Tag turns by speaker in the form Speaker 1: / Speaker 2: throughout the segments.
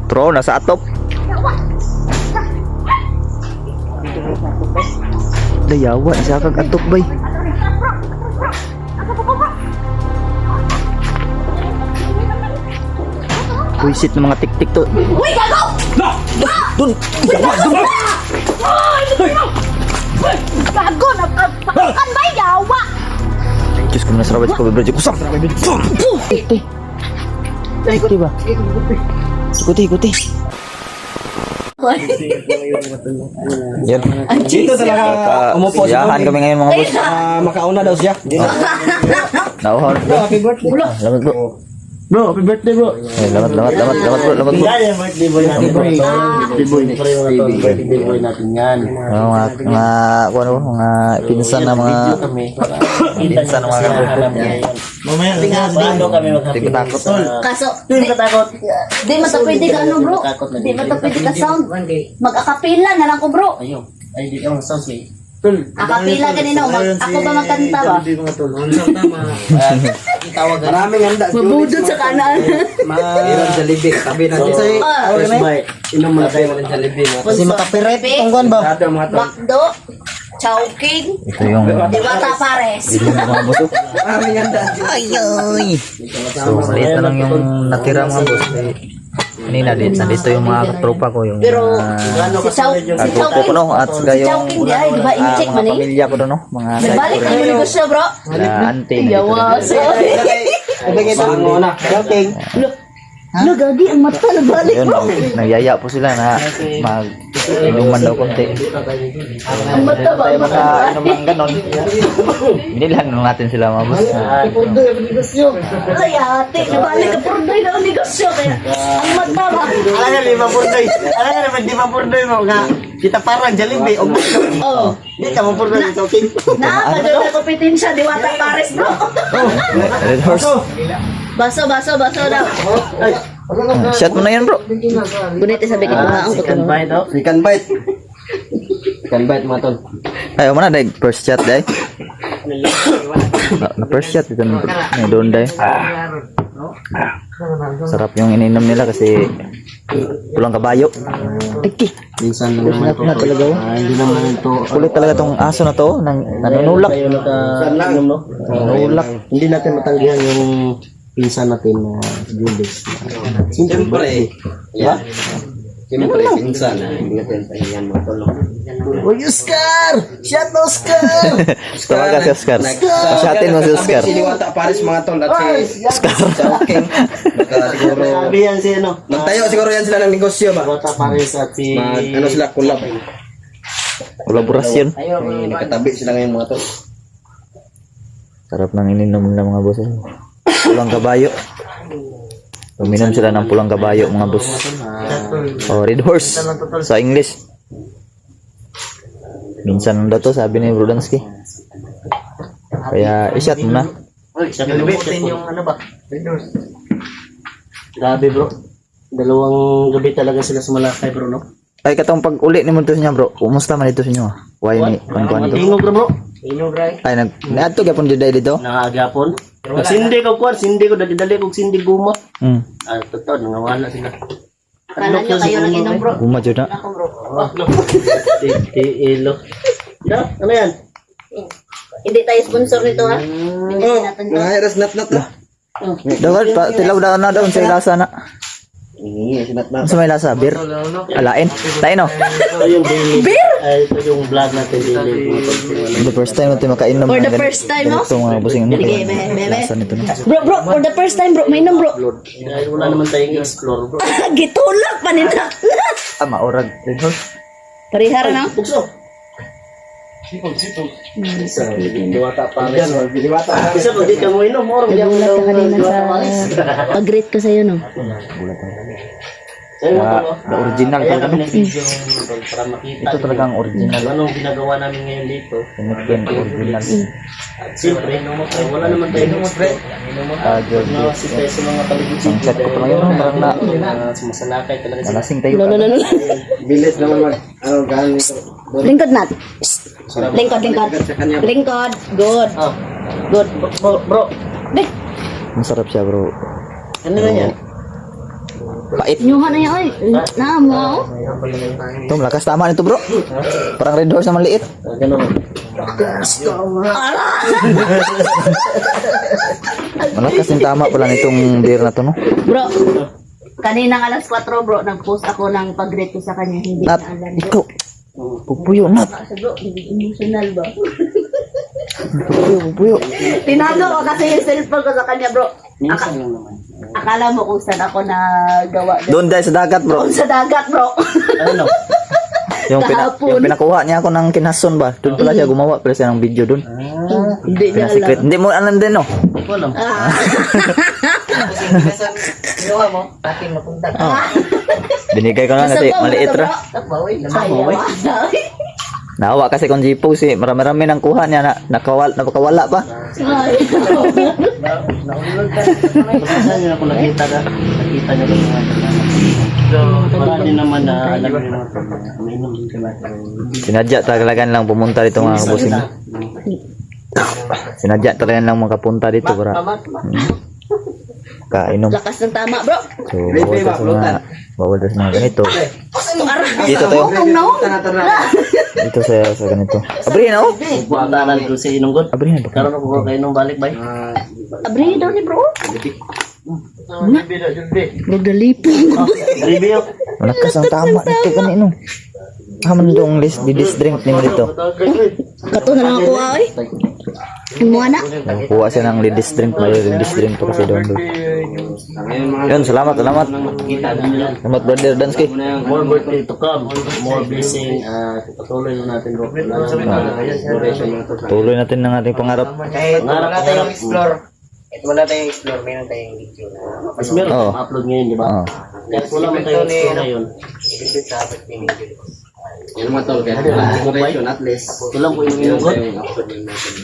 Speaker 1: Tro, nasa atop. Dayawa, siya kag atop bay. Buisit ng mga tik-tik to.
Speaker 2: Uy, gago!
Speaker 1: Dun! Dayawa, dun!
Speaker 2: Gago! Napakakan ba yawa?
Speaker 1: Diyos ko na sarawat ko, bro. Kusam! Ikuti ba? Ikuti. Yan.
Speaker 3: Dito talaga umupo si
Speaker 1: Yahan kami ngayon mga boss.
Speaker 3: makauna daw siya.
Speaker 1: Nauhon.
Speaker 3: Happy birthday.
Speaker 1: Lamat bro.
Speaker 3: Bro, happy birthday bro.
Speaker 1: Lamat bro.
Speaker 3: Birthday boy natin bro. Birthday boy natin yan.
Speaker 1: Mga pinsan na mga pinsan na mga
Speaker 3: Mamaya tingado kami
Speaker 1: Di matakot.
Speaker 2: Kaso,
Speaker 3: Hindi katakot.
Speaker 2: di matapwede ka ano bro? Di matapwede ka sound. Mag-akapila na lang ko bro.
Speaker 3: Ayun. Ay, di ka sounds eh.
Speaker 2: Akapila ganino. Ako ba magkanta ba?
Speaker 3: Maraming handa.
Speaker 2: Mabudod sa kanan.
Speaker 3: Iram sa libig. Tabi na siya. First bite. Inom muna tayo ng Jollibee. Kasi makapiret itong guwan ba?
Speaker 2: Macdo. Chowking.
Speaker 1: Ito yung
Speaker 2: Diwata Pares.
Speaker 1: mga boss.
Speaker 3: Maraming handa.
Speaker 1: Ayoy. So, maliit na lang yung natira mga boss. Kanina nandito yung mga tropa ko yung
Speaker 2: Pero,
Speaker 1: mga
Speaker 2: si
Speaker 1: grupo ko
Speaker 2: Chowking.
Speaker 1: no at saka
Speaker 2: Si
Speaker 1: yung
Speaker 2: Chowking di ay, di ba? I-check
Speaker 1: mga
Speaker 2: man eh.
Speaker 1: pamilya ko doon no, mga
Speaker 2: Nagbalik na yung negosyo bro.
Speaker 1: auntie na dito.
Speaker 2: Yawa. Sorry.
Speaker 3: Ibigay tayo muna. Okay.
Speaker 2: Gagi, ang mata nagbalik
Speaker 1: Yun,
Speaker 2: bro.
Speaker 1: nagyaya po sila na mag-inuman daw konti.
Speaker 2: Ang mata ba?
Speaker 1: Tayo makainom ng ganon. Binilhan lang natin sila mga boss.
Speaker 2: Ay ate, nabalik ka purday na ang negosyo. Kaya, ang mata ba?
Speaker 3: Alam nga, 5 purday. Alam nga naman, 5 purday mo nga. Kita parang Jollibee. O gusto.
Speaker 2: Oo.
Speaker 3: Hindi ka mo purday sa okay.
Speaker 2: Na, maganda kompetensya, Diwata Pares bro.
Speaker 1: Red horse.
Speaker 2: Baso daw.
Speaker 1: Shot mo na yan bro.
Speaker 2: Gunit sabi ko na ang
Speaker 3: Chicken bite, oh. Chicken bite. Chicken bite, mga tol.
Speaker 1: Ayaw mo na dahil first shot dahil. Na first shot ito na doon dahil. Sarap yung ininom nila kasi pulang kabayo.
Speaker 3: Minsan naman ito.
Speaker 1: Talaga oh.
Speaker 3: Hindi naman ito.
Speaker 1: Kulit talaga tong aso na to nang nanunulak.
Speaker 3: Tayo naka-inom, no?
Speaker 1: Nanunulak.
Speaker 3: Hindi natin matanggihan yung pinsan natin na Julius. Siyempre. Yeah. Siyempre, pinsan. Hindi natin tanggihan mga tol. Uy, Oscar! Shot Oscar!
Speaker 1: Tawagan si Oscar. Pasyatin mo si Oscar.
Speaker 4: Si Diwata Paris mga tol at si
Speaker 1: Oscar.
Speaker 4: King. Siguro
Speaker 3: Sabi yan si ano?
Speaker 4: magtayo siguro yan sila ng negosyo ba?
Speaker 3: Bata Paris at si...
Speaker 4: Ano sila collab.
Speaker 1: Kolaborasyon.
Speaker 4: Nakatabi sila ngayon mga tol.
Speaker 1: Sarap ng ininom nila mga boss. Pulang kabayo. Uminom sila ng pulang kabayo mga boss. Oh, red horse sa English. Minsan daw to sabi ni Brudansky. Kaya i-shot mo na.
Speaker 3: Uy, sa kalibutin yung ano ba? Grabe bro. Dalawang gabi talaga sila sumalakay bro, no?
Speaker 1: Ay katong pag uli ni mo to niya bro. Kumusta man dito sa inyo? Why ni kuan to?
Speaker 3: Tingog bro. Tingog ray.
Speaker 1: Ay naadto gyapon jud dito.
Speaker 3: Nakagapon. Sindi ko kuan, sindi ko dali kog sindi guma. Ah, totoo nangawala sila.
Speaker 2: Kala nyo kayo nang inom bro.
Speaker 1: Guma jud na.
Speaker 2: Ako bro.
Speaker 3: Ilo. Ya, ano yan?
Speaker 2: Hindi tayo sponsor nito ha. Hindi natin to.
Speaker 4: Nahairas nat lah.
Speaker 1: Dapat pa tilaw daw na daw sa ilasa na. Ano sa may lasa? Beer? Alain? Tayo no?
Speaker 3: Ito yung daily.
Speaker 2: Beer?
Speaker 3: Ay, ito yung vlog natin daily.
Speaker 1: The first time natin makainom.
Speaker 2: For the
Speaker 1: ng
Speaker 2: first time, no?
Speaker 1: Ito mga busing ano.
Speaker 2: Sige, bebe.
Speaker 1: Lasa nito na.
Speaker 2: Bro, for the first time bro, may inom bro.
Speaker 3: Dahil wala naman tayong explore bro.
Speaker 2: Gitulak pa nila.
Speaker 1: Ah, maorag. Red horse.
Speaker 2: Parihara na.
Speaker 3: Bukso. Diwata Paris. Isa pag di ka mo inom, or hindi mo
Speaker 2: Nagulat ka kanina
Speaker 3: Diwata
Speaker 2: sa
Speaker 3: Paris.
Speaker 2: pag-rate ko sa'yo no.
Speaker 3: Sa'yo mo
Speaker 1: Ah,
Speaker 3: to,
Speaker 1: the original
Speaker 3: Kaya
Speaker 1: talaga.
Speaker 3: kami nag-video para makita.
Speaker 1: Ito talagang original.
Speaker 3: Anong ginagawa namin ngayon dito.
Speaker 1: Pinagpin original.
Speaker 3: At siyempre, wala naman tayong explore.
Speaker 1: Ah, George.
Speaker 3: Nawasin tayo sa mga paligid.
Speaker 1: Ang chat ko pa ngayon, parang
Speaker 3: Sumasalakay talaga sila.
Speaker 1: Malasing tayo.
Speaker 2: No.
Speaker 4: Bilis naman mag ano gaano ito.
Speaker 2: Lingkod nat. Lingkod. Lingkod. Good.
Speaker 3: Ah,
Speaker 2: Good.
Speaker 3: bro.
Speaker 2: Dek.
Speaker 1: Masarap siya bro.
Speaker 3: Ano na yan?
Speaker 1: Pait.
Speaker 2: Nyuhan na yan, oy. Na mo.
Speaker 1: Ito, malakas tama nito bro. Parang Red Horse na maliit.
Speaker 3: Ganun.
Speaker 1: Malakas yung tama pala nitong beer na to, no?
Speaker 2: Bro, kaninang alas 4 bro, nag-post ako ng pag-rate ko sa kanya. Hindi
Speaker 1: Nat,
Speaker 2: na alam.
Speaker 1: ikaw. Pupuyo, Nat.
Speaker 2: Kasi bro, hindi emotional ba?
Speaker 1: Pupuyo.
Speaker 2: Tinago ko kasi yung cellphone ko sa kanya bro.
Speaker 3: Minsan lang naman.
Speaker 2: Akala mo kung saan ako nagawa.
Speaker 1: Doon dahil sa dagat bro.
Speaker 2: Doon sa dagat bro.
Speaker 3: Ano?
Speaker 2: Kahapon.
Speaker 1: Yung pinakuha niya ako ng kinason ba? Doon pala siya gumawa pala siya ng video doon.
Speaker 2: Hindi niya
Speaker 1: Secret.
Speaker 2: alam.
Speaker 1: Hindi mo alam din, no?
Speaker 3: Wala.
Speaker 4: Kinuha mo, ating mapunta.
Speaker 1: Binigay ko lang kasi maliit ra. Naawa kasi kung Jipo si marami-rami nang kuha niya na nakawala pa.
Speaker 3: Saan niyo ako nakita ka? Nakita niyo ba mga so, marami naman na alam niyo mga may inom din ka.
Speaker 1: Sinadya talaga lang pumunta dito mga kabusing. Sinadya talaga lang makapunta dito para kainom.
Speaker 2: Lakas ng tama bro.
Speaker 1: So, bawal sa mga ganito. Dito
Speaker 2: Dito
Speaker 1: tayo. Dito sa ganito. Abrihin ako.
Speaker 3: Buwatanan ko sa inunggot.
Speaker 1: Abrihin ako.
Speaker 3: Karon ako kayo nung balik bay.
Speaker 2: Abri daw ni bro. Magdalipin.
Speaker 3: Review.
Speaker 1: Malakas ang tama nito kanino. Haman dong list drink ni mo dito.
Speaker 2: Kato na lang ako ay. Mo na.
Speaker 1: Kuha siya ng ladies drink, may ladies drink pa kasi doon. Yun, salamat. Salamat brother Dansky.
Speaker 3: More birthday to come. More blessing. Patuloy na natin bro.
Speaker 1: Tuloy natin ng ating pangarap.
Speaker 4: Kahit wala tayong explore. Kahit wala tayong explore, meron tayong video na.
Speaker 3: Mas meron
Speaker 1: Oo.
Speaker 3: akong upload ngayon, di ba?
Speaker 1: Oo.
Speaker 3: Kahit wala man tayo explore ngayon.
Speaker 4: Ibig sa apat ni Miguel. Yan mga tol, kahit wala exploration at least.
Speaker 3: Ito lang po yung
Speaker 4: Meron
Speaker 3: inunggot.
Speaker 4: tayong upload din natin.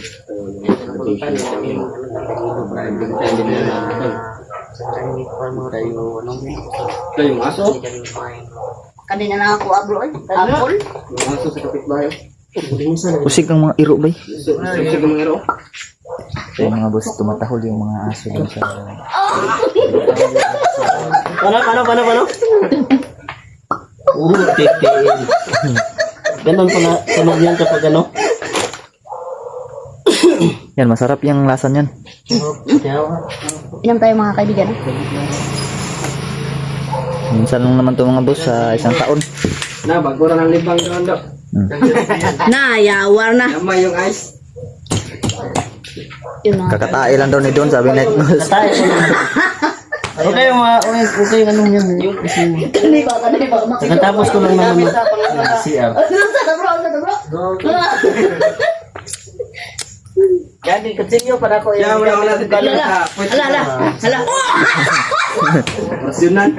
Speaker 4: Ito yung aso.
Speaker 2: Kanina na ako bro ay. Apple.
Speaker 4: Yung aso sa kapitbahay.
Speaker 1: Usig ang mga iro bay.
Speaker 4: Susig ng mga iro.
Speaker 1: Yung mga boss tumatahol yung mga aso doon sa
Speaker 3: Paano? Titin. Ganon pala, sunog yan kapag ano.
Speaker 1: yan, masarap yung lasa niyan.
Speaker 2: Inom tayo mga kaibigan.
Speaker 1: Minsan lang naman to mga boss sa isang taon.
Speaker 4: Na, bagura ng libang doon do.
Speaker 2: Na, yawar na.
Speaker 4: Namay yung ice.
Speaker 2: Yun na.
Speaker 1: Kakatae lang daw ni Don, sabi night boss.
Speaker 3: Tayo ko lang. Okay yung anong yan.
Speaker 2: Kanina ba?
Speaker 3: Pagkatapos ko lang naman CR.
Speaker 4: Yan, continue para ko. Yan, wala natin
Speaker 2: Hala.
Speaker 4: Rasyonan.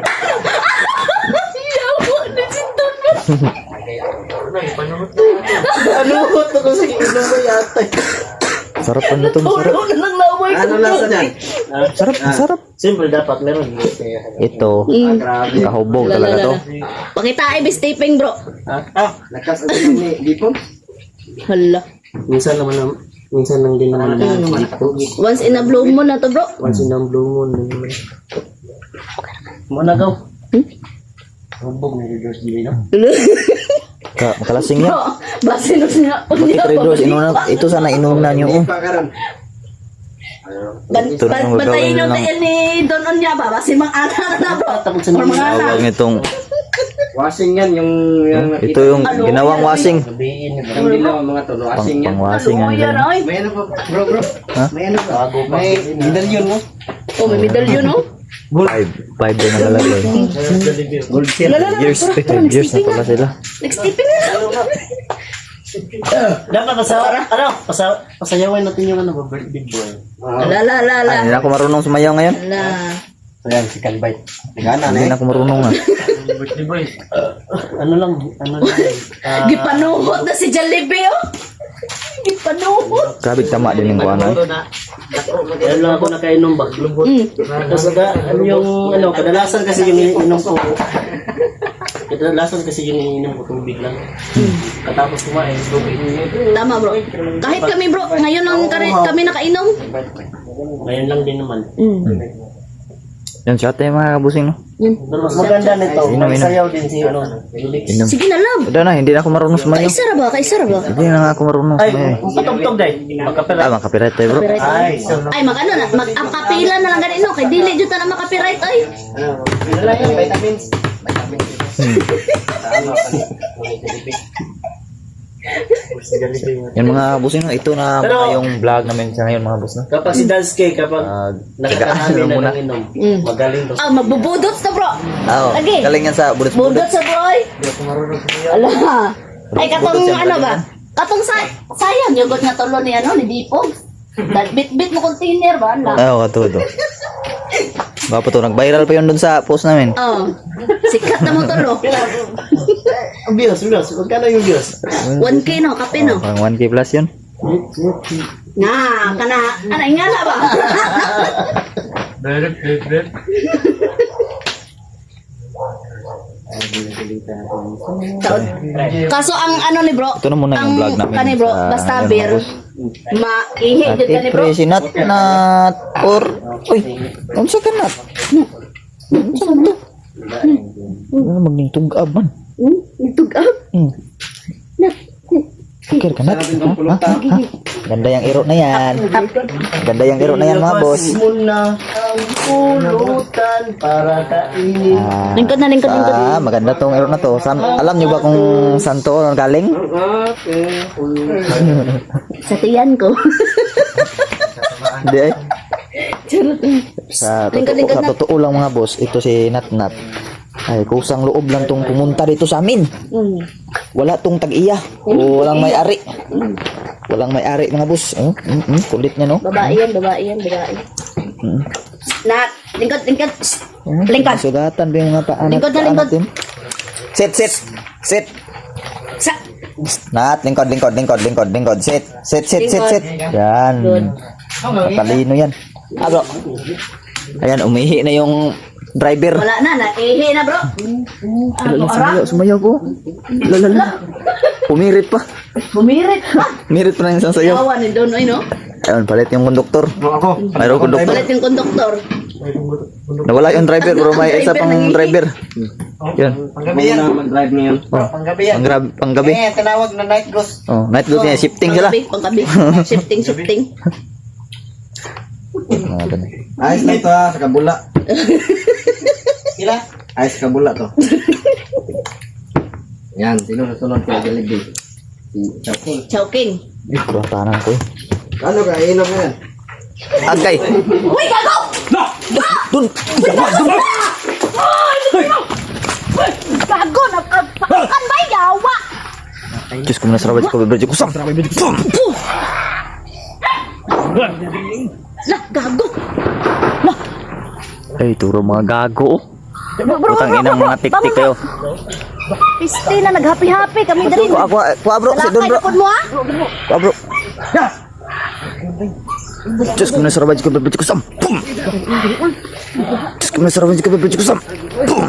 Speaker 3: Ano ko sa inom mo yata.
Speaker 1: Sarap pa nito, masarap.
Speaker 4: Ano lasa niyan?
Speaker 1: Sarap, masarap.
Speaker 3: Simple dapat meron.
Speaker 1: Ito,
Speaker 4: Grabe.
Speaker 1: kahubog talaga to.
Speaker 2: Pakita ay taping bro.
Speaker 4: Lakas ang ni Dipon.
Speaker 2: Hala.
Speaker 3: Minsan lang din naman dito.
Speaker 2: Once in a blue moon na to bro.
Speaker 3: Once in a blue moon. Muna gaw. Hubog na reverse dili no?
Speaker 1: Makalasing yan.
Speaker 2: Bro, base no siya.
Speaker 1: Bakit Red Horse? Ito sana inunan nyo.
Speaker 4: Hindi pa karon.
Speaker 1: Ito na yung
Speaker 2: Bantayin
Speaker 1: gagawin
Speaker 2: yung
Speaker 1: lang.
Speaker 2: tayo ni Don Onya ba? Base mga anak na bro.
Speaker 3: Tapos sa
Speaker 2: Or mga anak.
Speaker 1: Tawag nitong,
Speaker 4: Washing yan yung
Speaker 1: ito yung ginawang washing.
Speaker 3: sabihin
Speaker 4: yung dilaw mga tol. Washing yan.
Speaker 1: Pang-washing
Speaker 2: Ano
Speaker 1: yan.
Speaker 2: yan ay?
Speaker 4: May ano pa bro?
Speaker 1: Ha?
Speaker 4: May ano pa?
Speaker 3: bago pa.
Speaker 4: May medallion mo.
Speaker 2: Oh, may medallion no?
Speaker 1: 5 din nakalagay.
Speaker 3: Gold seal.
Speaker 1: Years na pala sila.
Speaker 2: Nag-stepping na.
Speaker 3: Dapat pasayawan natin yung ano ba birthday boy.
Speaker 1: Ay, hindi na ako marunong sumayaw ngayon.
Speaker 2: Ala.
Speaker 4: Ayan, si Kanbay. Tigana na
Speaker 1: Hindi
Speaker 4: eh.
Speaker 1: na ako marunong nga.
Speaker 3: Birthday boy. Ano lang.
Speaker 2: Gipanuhot na si Jollibee oh. Gipanuhot.
Speaker 1: Grabe tama din yung kuwanan.
Speaker 3: Kaya lang ako nakainom ba? Lubot. Tapos ano yung ano, kadalasan kasi yung iniinom ko. Kadalasan kasi yung iniinom ko tubig lang. Katapos kumain, tubig.
Speaker 2: Tama bro. Kahit kami bro, ngayon lang kami nakainom.
Speaker 3: Ngayon lang din naman.
Speaker 1: Yan siya tayo mga kabusing, no?
Speaker 2: Yun.
Speaker 3: Mas maganda nito.
Speaker 1: Inom, inom.
Speaker 3: Magsayaw din si ano.
Speaker 1: Inom.
Speaker 2: Sige na lang.
Speaker 1: Udah na, hindi na ako marunong sumayaw.
Speaker 2: Kaisa ra ba? Kaisa ra ba?
Speaker 1: Hindi na nga ako marunong
Speaker 3: Ay,
Speaker 1: sumayaw.
Speaker 3: patugtog day. Magkapela.
Speaker 1: Ah, makapiright tayo, bro.
Speaker 2: Copyright
Speaker 3: Ay,
Speaker 2: ay.
Speaker 3: so
Speaker 2: Ay, mag-ano na, mag-kapila na lang ganito. Kay dili dito na makapiright ay.
Speaker 3: ano lang yung vitamins.
Speaker 1: Yan mga kabusing, no? Ito na
Speaker 3: Pero-
Speaker 1: mga yung vlog namin sa ngayon, mga boss, no?
Speaker 3: Kapag si Dalske, kapag
Speaker 1: Tagaan
Speaker 3: nakakahami
Speaker 1: lang
Speaker 3: na
Speaker 1: muna.
Speaker 3: ng inom,
Speaker 2: Mm.
Speaker 3: magaling to.
Speaker 2: Ah, magbubudot na bro.
Speaker 1: Oo,
Speaker 2: Lagi.
Speaker 1: galing yan sa
Speaker 2: Budot
Speaker 1: bulit-bulit.
Speaker 2: sa bro ay. Ala. Ay, katong
Speaker 1: Budot yan,
Speaker 2: ano
Speaker 1: galing
Speaker 2: ba?
Speaker 1: yan.
Speaker 2: Katong sayang, yung nga tulo ni ano, ni Dipog. Bit-bit mo container ba? Ala.
Speaker 1: Oo, katudo. Baka to, nag-viral pa yun dun sa post namin.
Speaker 2: Oh. Sikat na mo tulo.
Speaker 3: Ang views. Magkano yung views?
Speaker 2: 1K no, kape no.
Speaker 1: Pang 1K plus yun.
Speaker 2: Nga, kana, ano, ingala ba? Kaso ang ano ni bro,
Speaker 1: Ito na muna yung vlog namin
Speaker 2: kani bro,
Speaker 1: sa
Speaker 2: basta
Speaker 1: ngayon,
Speaker 2: beer,
Speaker 1: mga boss.
Speaker 2: maihi jud
Speaker 1: Ate
Speaker 2: kani bro.
Speaker 1: Pre, si Nat or... Uy, unsa ka Nat?
Speaker 2: Unsa man to?
Speaker 1: Ano magning tugab man?
Speaker 2: Nitugab.
Speaker 1: Fikir ka Nat? Ha? Ganda yung iro na yan. Ganda yung iro na yan mga boss.
Speaker 3: Muna ang pulutan para kainin.
Speaker 1: Ah,
Speaker 2: Lingkod na.
Speaker 1: maganda tong iro na to. Alam niyo ba kung saan to galing?
Speaker 2: Sa tiyan ko.
Speaker 1: Hindi ay.
Speaker 2: Charot. Lingkod
Speaker 1: Sa
Speaker 2: na.
Speaker 1: totoo lang mga boss, ito si Nat Nat. Ay, kusang loob lang tong pumunta dito sa amin. Wala tong tag-iya. O walang may-ari. Walang may-ari mga boss. Oh, kulit niya no.
Speaker 2: Babae yan. Nat, lingkod. Lingkod.
Speaker 1: Sugatan ba yung mga paan
Speaker 2: Lingkod na, lingkod.
Speaker 1: natin? Sit.
Speaker 2: Sa
Speaker 1: Nat, lingkod. Sit.
Speaker 2: Lingkod.
Speaker 1: Yan.
Speaker 2: Good.
Speaker 1: Matalino yan. Ah, bro. Ayan, umihi na yung driver.
Speaker 2: Wala na, naihi na bro.
Speaker 1: Sumayaw ko. Lala. Pumirit pa.
Speaker 2: Bumirit pa.
Speaker 1: Mirit pa na yung isang sayaw.
Speaker 2: Kawa ni Don, ay no?
Speaker 1: Ayun, palit yung konduktor. Mayroong konduktor.
Speaker 2: Palit yung konduktor.
Speaker 1: Nawala yung driver, pero may isa pang driver. Yun.
Speaker 3: Panggabi yan. Mag-drive ngayon. Panggabi yan.
Speaker 1: Panggabi.
Speaker 3: Tinawag na night ghost.
Speaker 1: Oh, night duty niya. Shifting sila.
Speaker 2: Panggabi. Shifting.
Speaker 1: Ah, ganun.
Speaker 3: Ayos na ito ha, sa kabula. Sila? Ayos sa kabula to. Yan, sunod ko Jollibee. Si
Speaker 2: Chowking.
Speaker 1: Kuratanan ko.
Speaker 3: Ano ka, inom mo yan?
Speaker 1: Agay.
Speaker 2: Uy, gago!
Speaker 1: Dun.
Speaker 2: Gago! Napakakan ba yawa?
Speaker 1: Diyos ko, nasarabat ko. Bebrejo ko. Sam.
Speaker 2: Lah, gago!
Speaker 1: Ay, turo mga gago. Putang inang mga tik-tik kayo.
Speaker 2: Piste na, naghapi-hapi kami dari.
Speaker 1: Kuha bro, si Don bro.
Speaker 2: Lakay na po mo ha?
Speaker 1: Kuha bro. Diyos ko, nasarabat ko. Bebrejo ko. Sam. Pum. Diyos ko, nasarabat ko. Bebrejo ko. Sam. Pum.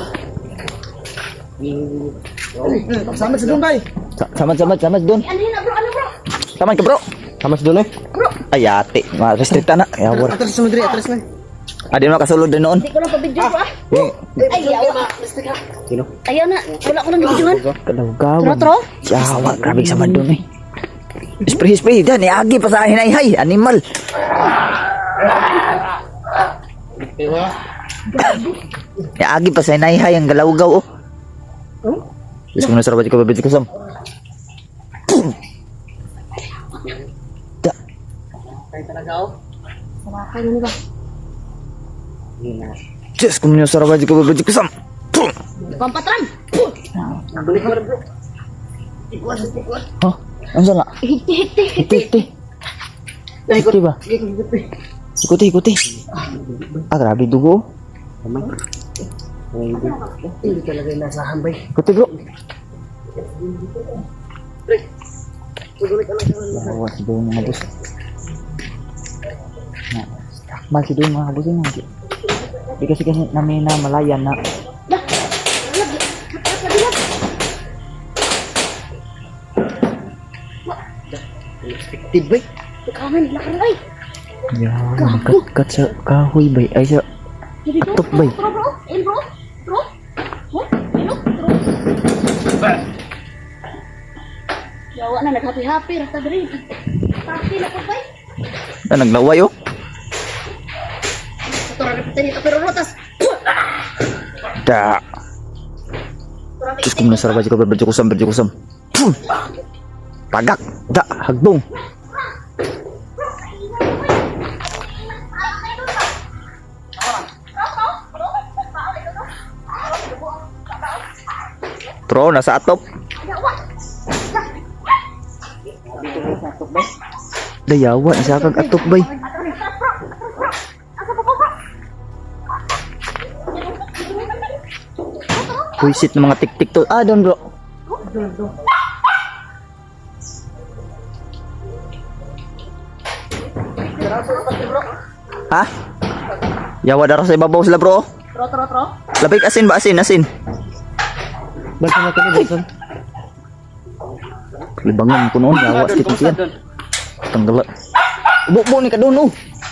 Speaker 3: Sama sa Dumbay.
Speaker 1: Samad Don.
Speaker 2: Ano yun bro? Ano bro?
Speaker 1: Samad ka bro. Samad si Don eh. Ay, ate. Restricta na. Yawar.
Speaker 3: Atras na Madrid, atras na.
Speaker 1: Di mo nakasulod din noon.
Speaker 2: Hindi ko lang pa-video bro ah.
Speaker 1: Eh,
Speaker 2: Ay, yawa.
Speaker 1: Sino?
Speaker 2: Ayaw na. Wala ko lang nabidyohan.
Speaker 1: Kalawgawan.
Speaker 2: Tro?
Speaker 1: Yawa, grabe sa Don eh. Spray. Diyan, iagi pa sa hinay-hay. Animal. Iagi pa sa hinay-hay ang galawgaw oh. Diyos ko, nasarabat ko. Bebrejo ko. Sam. Da.
Speaker 2: Samakay na ba?
Speaker 1: Diyos ko, nasarabat ko. Bebrejo ko. Sam.
Speaker 2: Pampatran!
Speaker 1: Ha? Ano sana?
Speaker 2: Hiti.
Speaker 1: Hiti. Hiti ba? Ikuti. Ah, grabe dugo.
Speaker 3: Hindi talaga yung nasa hambay.
Speaker 1: Ikuti bro. Bawa si Doon mga boss. Takmal si Doon mga boss yun. Di kasi namin na malayan na.
Speaker 3: Tibay.
Speaker 2: Kaman, lakar ay.
Speaker 1: Yan, kat sa kahoy bay. Ay sa Atok bay.
Speaker 2: Bro, bro. Bro. Bro. Oh, bro. Yawa na, nag-happy-happy. Rata diri. Happy na ko, bay.
Speaker 1: Naglaway oh.
Speaker 2: Ito rin reputin ito, pero rotas.
Speaker 1: Da. Diyos ko minasarap aja ko berjukusam. Tagak. Da. Hagbong. Bro, nasa atop. Dayawa, nasa kag atop bay. Puisit ng mga tik-tik to. Ah, doon bro. Ha? Yawa daro sa ibabaw sila bro.
Speaker 2: Tro.
Speaker 1: Labig asin ba? Asin.
Speaker 3: Basta na kami, basta.
Speaker 1: Libangan ko noon. Yawa sa kitong siyan. Tanggalat. Buk ni ka doon oh.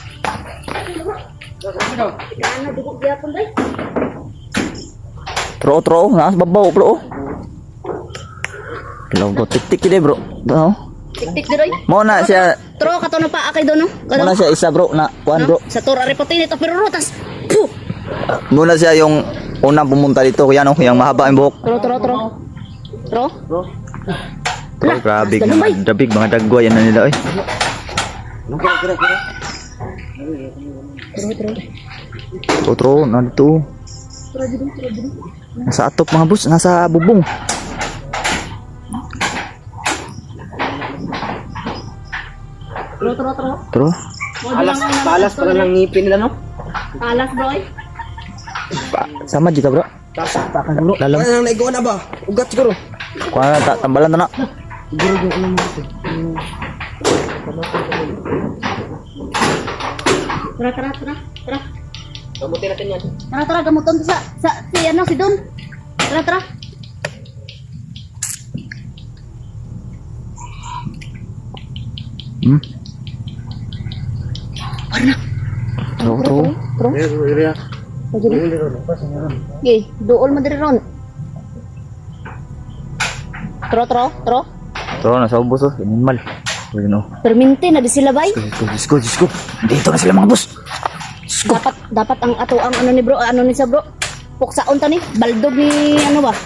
Speaker 2: Ano, dugog gyapon, bay.
Speaker 1: Tro. Nasa babaw bro. Logo tik-tik deh bro. No?
Speaker 2: Tik-tik diroy.
Speaker 1: Mo na siya.
Speaker 2: Tro, kato na pa akay doon, no?
Speaker 1: Mo na siya isa bro na kuan bro.
Speaker 2: Sa tora reputin ito, pero rotas. Puh!
Speaker 1: Muna siya yung unang pumunta dito kuya no, yung mahaba ang buhok.
Speaker 2: Tro.
Speaker 1: Oh, grabe mga dabig, mga dagwa yan na nila eh. Tro, na dito. Nasa atop mga bus, nasa bubong.
Speaker 2: Tro.
Speaker 1: Tro.
Speaker 3: Palas pa lang ngipin nila, no?
Speaker 2: Alas, bro.
Speaker 1: Sama juga bro.
Speaker 3: Takan dulu.
Speaker 1: Dalam.
Speaker 3: Ano nang naigawan na ba? Ugat siguro.
Speaker 1: Kuha tak tambalan na.
Speaker 2: Tara.
Speaker 3: Gamutin natin yan.
Speaker 2: Tara, gamuton sa si ano, si Don. Tara.
Speaker 1: Tro.
Speaker 2: Okay, dool mo diri ron. Tro.
Speaker 1: Tro, nasa ubos oh, animal. Ano?
Speaker 2: Perminti na di sila bay.
Speaker 1: Diyos ko. Dito na sila mga boss.
Speaker 2: Dapat ang ato ang ano ni bro, ano ni sa bro. Puksaon ta ni, baldog ni ano ba?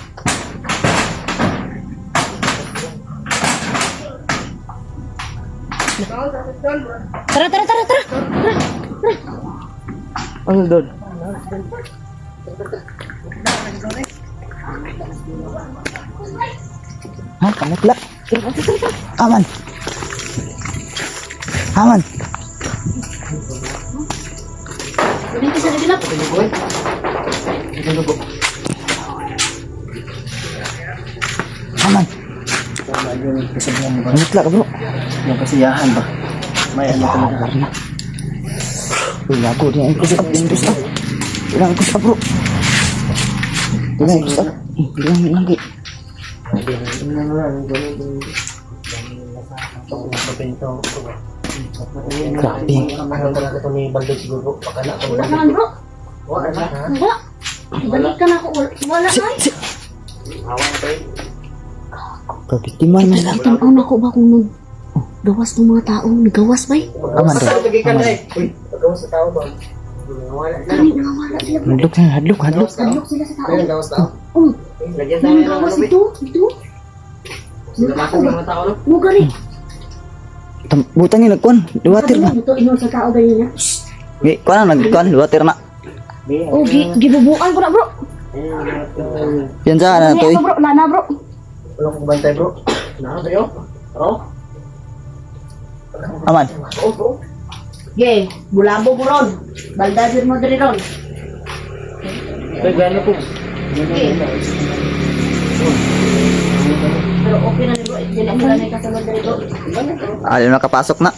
Speaker 2: Tara.
Speaker 1: Ano doon? Ha? Kamutla? Aman.
Speaker 2: Dito sa dilap.
Speaker 1: Aman. Kamutla ka bro.
Speaker 3: Yung kasiyahan ba? May ano talaga.
Speaker 1: Uy, lago. Di ang kusap. Ilang kusap bro. Ilang kusap. Ilang lagi. Grabe.
Speaker 3: Ano talaga ito ni Baldo siguro? Pakala ko.
Speaker 2: Wala naman bro. Wala. Balik ka na ako. Wala na.
Speaker 1: Kabitiman na lang.
Speaker 2: Tanaw na ko ba kung gawas ng mga tao? Nagawas ba?
Speaker 1: Aman doon.
Speaker 3: Lagi ka na eh. Uy, pagkawas sa tao ba? Wala.
Speaker 2: Kami nawawala sila.
Speaker 1: Hadlok.
Speaker 2: Hadlok sila sa tao.
Speaker 3: Ayun, gawas tao.
Speaker 2: Oh,
Speaker 3: Lagyan tayo
Speaker 2: nang
Speaker 3: ng
Speaker 2: gawas
Speaker 3: ano,
Speaker 2: ito.
Speaker 3: Sila makong mga tao, no?
Speaker 2: Mugari.
Speaker 1: Butang yung nagkuhan. Luwatir na.
Speaker 2: Ito ingon sa tao ganyan niya.
Speaker 1: Kuha na nagkuhan. Luwatir na.
Speaker 2: Oh, gibubuan ko na bro.
Speaker 1: Yan sa na to eh.
Speaker 2: Bro, lana bro.
Speaker 3: Wala kong bantay, bro. Nakaka tayo? Bro?
Speaker 1: Aman.
Speaker 2: Ge, bulabo mo ron. Baldadir mo diri ron.
Speaker 3: Ay, gano'n po.
Speaker 2: Pero okay na ni bro. Dili sila na kasunod diri bro.
Speaker 1: Ayaw nakapasok na.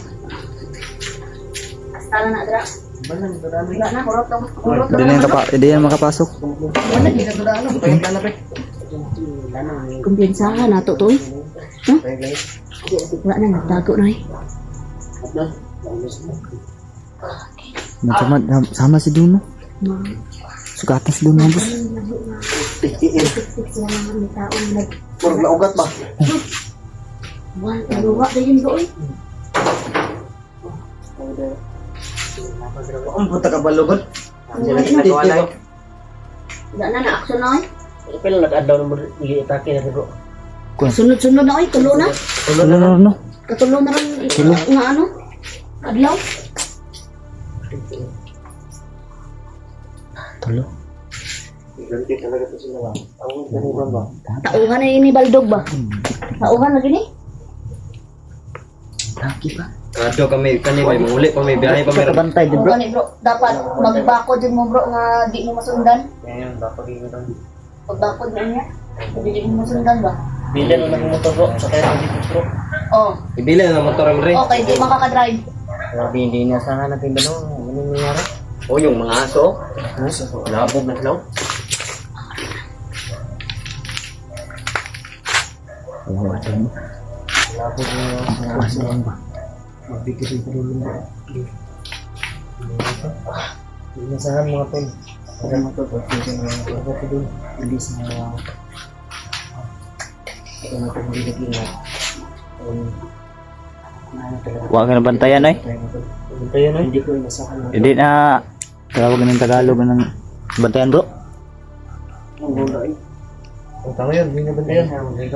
Speaker 2: Hasta na dra. Wala na, kurot.
Speaker 1: Hindi yan makapasok.
Speaker 2: Wala, di na dra. Kumpiyansahan na to to eh. Huh? Wala na, nagtago na eh.
Speaker 1: Sama si Duno. Sugatas doon mga boss.
Speaker 2: Sila naman may tao na nag...
Speaker 3: Murag na ugat ba?
Speaker 2: Wala, luwa na yun doon.
Speaker 3: Ang puta ka balugod.
Speaker 2: Wala na na-action na eh.
Speaker 3: Pero nag-adlaw ng atake na bro.
Speaker 2: Sunod-sunod na eh, tulo na.
Speaker 1: No.
Speaker 2: Katulo na rin nga ano? Adlaw.
Speaker 1: Tulo.
Speaker 3: Ganti talaga to sila ba? Ang ganun ba?
Speaker 2: Tauhan na ini baldog ba? Tauhan na gini?
Speaker 1: Lagi pa.
Speaker 4: Radyo kami, may manguli pa, may biyahe pa meron.
Speaker 1: Bantay din
Speaker 2: Bro,
Speaker 1: bro.
Speaker 2: bro, dapat magbako din mo bro nga di mo masundan.
Speaker 3: Ngayon, dapat yung ito.
Speaker 2: Pagbakod na niya. Di mo masundan ba?
Speaker 3: Bilan mo ng motor bro, sa kaya dito bro.
Speaker 2: Oh,
Speaker 4: Ibili na motor mo rin.
Speaker 2: okay, di makaka-drive.
Speaker 3: Grabe, hindi inasahan natin ba no? Ano nangyari?
Speaker 4: O yung mga aso. Labog na sila.
Speaker 3: Labog na magbigay sa tulong bro. Hindi inasahan mga tol. Ano mga tol, pagkakita ng mga tol doon. Hindi sa mga ito na itong hindi
Speaker 1: Huwag ka na bantayan ay.
Speaker 3: Hindi ko inasahan.
Speaker 1: Hindi na tawag ng Tagalog ng bantayan bro.
Speaker 3: Ang gula eh. Ang tama yun, hindi na ba yan?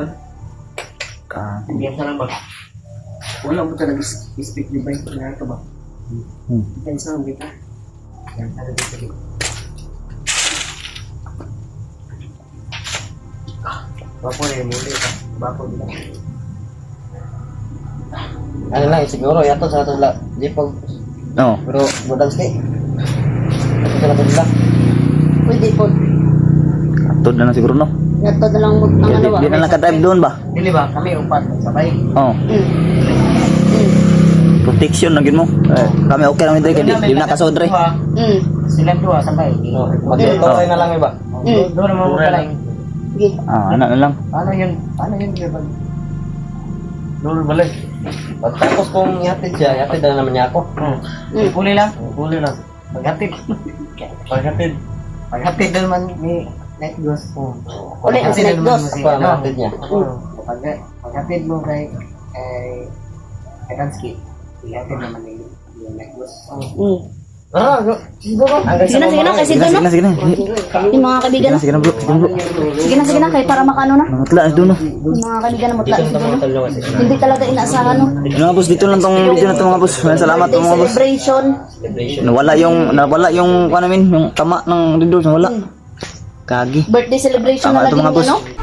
Speaker 3: Biyan sa lang ba? Wala mo talaga speak yung bike na ito ba? Kita isa ang kita. Yan talaga dito. Bapo na yung muli ka. Bapo nila. Ano lang, siguro yato sa ato lang. Di pag,
Speaker 1: No.
Speaker 3: pero budang stay. Ito talaga nila.
Speaker 2: Pwede po.
Speaker 1: Atod na lang siguro no.
Speaker 2: Nato na lang ang ano ba?
Speaker 1: Di na lang ka-drive doon ba?
Speaker 3: Dili ba? Kami upat sabay.
Speaker 1: Oh. Protection na gid mo. Kami okay lang dito kay di na kasod re.
Speaker 3: Sila dua sabay. Mag-tuloy na lang iba. Doon naman mo pala.
Speaker 2: Sige.
Speaker 1: Ano na lang.
Speaker 3: Ano yun? Ano yun? Doon balik.
Speaker 4: Pagkatapos kong ihatid siya, ihatid na naman niya ako.
Speaker 3: Puli lang. Puli lang. Paghatid. Paghatid. Paghatid naman ni Night Ghost.
Speaker 2: Uli ang Night Ghost.
Speaker 4: Ako ang ihatid niya.
Speaker 3: Paghatid mo kay Kansky. Ihatid naman ni Night Ghost.
Speaker 2: Sige na, kasi doon no?
Speaker 1: Sige na.
Speaker 2: Yung mga kaibigan.
Speaker 1: Sige na bro.
Speaker 2: Sige na, kay para makano na.
Speaker 1: Matla doon no.
Speaker 2: Yung mga kaibigan na mutla sa doon no? Hindi talaga inaasahan no?
Speaker 1: Mga boss dito lang tong video na to mga boss. Salamat po mga boss.
Speaker 2: Celebration.
Speaker 1: Nawala yung ano namin, yung tama ng dito, nawala. Kagi.
Speaker 2: Birthday celebration
Speaker 1: Tama
Speaker 2: na
Speaker 1: ito,
Speaker 2: lagi
Speaker 1: mga
Speaker 2: niya
Speaker 1: boss.
Speaker 2: no?